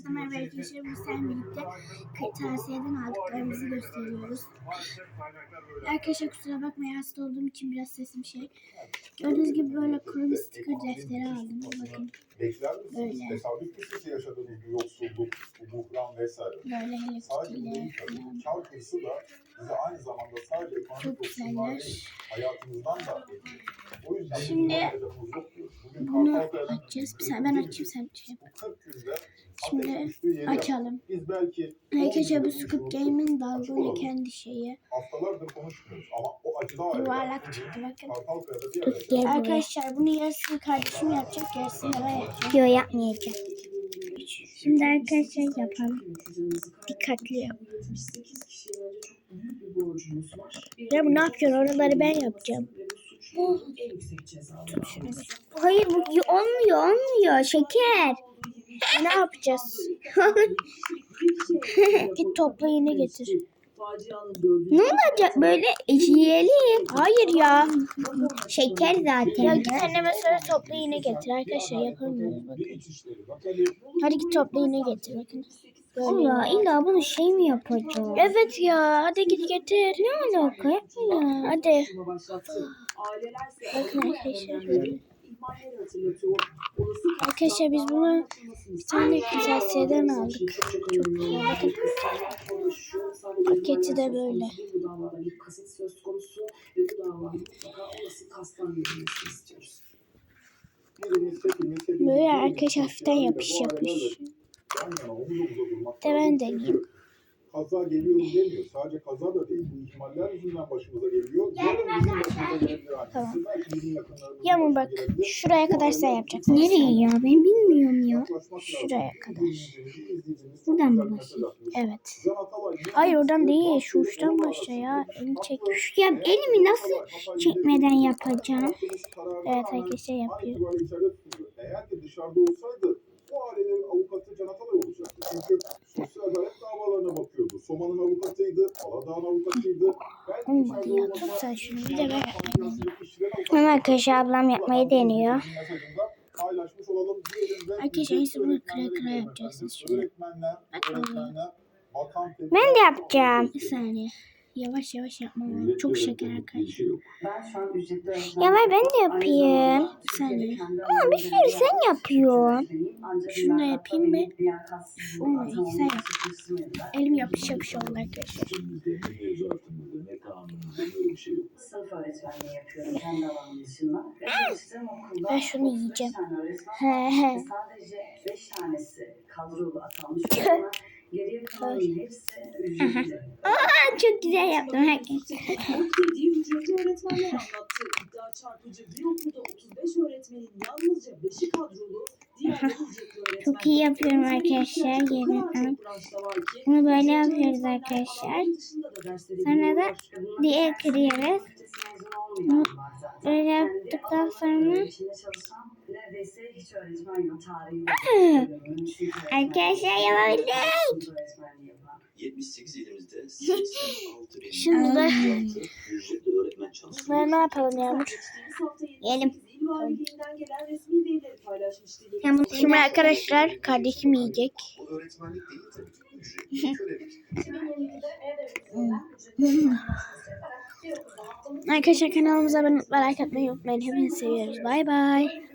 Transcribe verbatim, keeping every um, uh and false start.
Herkese merhaba arkadaşlar. Bu sen birlikte kırtasiyeden aldıklarımızı gösteriyoruz. Arkadaşlar kusura bakmayın, hasta olduğum için biraz sesim şey. Gördüğünüz gibi böyle kuru bir sticker defteri aldım. Bakın. Böyle. Tesadüf yaşadığımız bu yoksulluk, bu buhran vesaire. Böyle heliftiyle kar hırsı da bize aynı zamanda sadece ekonomik yoksulluğa değil, hayatımızdan da ediyor. O yüzden şimdi bunu açacağız. Ben açayım, sen şey yap. Şimdi açalım. Arkadaşlar bu Squid Game'in dalgona kendi şeyi. Haftalardır konuşmuyoruz ama o acıda yuvarlak çıktı bakın. Arkadaşlar bunu yarısını kardeşim yapacak, yarısını ben yapacağım. Yok, yapmayacağım. Şimdi arkadaşlar yapalım. Dikkatli yap. Ya bu ne yapıyorsun? Oraları ben yapacağım. Tut şunu bir. Hayır, bu olmuyor olmuyor şeker. Ne yapacağız? Git topla yine getir. Ne olacak böyle yiyelim? Hayır ya. Şeker zaten. Ya git anneme söyle topla yine getir. Arkadaşlar yapamıyoruz bakın. Hadi git topla yine getir bakın. Böyle. Ya illa bunu şey mi yapacağız? Evet ya, hadi git getir. Ne alaka ya? Hadi. Bakın arkadaşlar böyle. Arkadaşlar biz bunu bir tane kırtasiyeden aldık. Çok güzel. Bakın. Paketi de böyle. Böyle arkadaşlar hafiften yapış yapış. De ben deneyeyim. Kaza geliyor demiyor. Sadece kaza da değil. Bu ihmaller yüzünden başımıza geliyor. Tamam. Yağmur bak. Şuraya kadar sen yapacaksın. Nereye ya? Ben bilmiyorum ya. Şuraya kadar. Buradan mı başlayayım? Evet. Hayır oradan değil. Şu uçtan başla ya. Elini çek. Ya elimi nasıl çekmeden yapacağım? Evet arkadaşlar yapıyor. Eğer ki dışarıda olsaydı bu ailelerin avukatı Can Atalay olacaktı. Çünkü sosyal adalet davalarına bakıyordu. Soma'nın avukatıydı, Aladağ'ın avukatıydı. Olmadı ya. Tut sen şunu. Bir de ben yapmayayım. Hemen arkadaşlar ablam yapmayı deniyor. Arkadaşlar iyisi bunu kıra kıra yapacaksınız şöyle. Ben de yapacağım. Bir saniye. Yavaş yavaş yapmam lazım. Çok şeker arkadaşlar. Ya ver ben de yapayım. Bir saniye. Ama bir sürü sen yapıyorsun. Şunu da yapayım mı? Olmadı. Sen yap. Elim yapış yapış oldu arkadaşlar. Sınıf öğretmenliği yapıyorum kendi alanım dışında. Ve çalıştığım okulda Ben şunu yiyeceğim. He he. sadece beş tanesi kadrolu atanmış olana geriye kalanın hepsi ücretli. Aa, çok güzel yaptım herkes. Dediği ücretli öğretmenler anlattı. İddia çarpıcı, bir okulda otuz beş öğretmenin yalnızca beşi kadrolu, diğerleri ücretli öğretmen. Çok iyi yapıyorum arkadaşlar. Gelin. Bunu böyle yapıyoruz arkadaşlar. Sonra da diğer kırıyoruz. Bunu böyle yaptıktan sonra neredeyse hiç öğretmen yok tarihi. arkadaşlar yapabildik. yetmiş sekiz ilimizde seksen altı bin Şimdi de ücretli öğretmen çalışıyor. ben ne yapalım Yağmur? Yiyelim. Yağmur şimdi arkadaşlar kardeşim yiyecek. Bu öğretmenlik değil tabii ki. Ücretli kölelik. Arkadaşlar kanalımıza abone olmayı, like atmayı unutmayın. Hepinizi seviyoruz. Bay bay.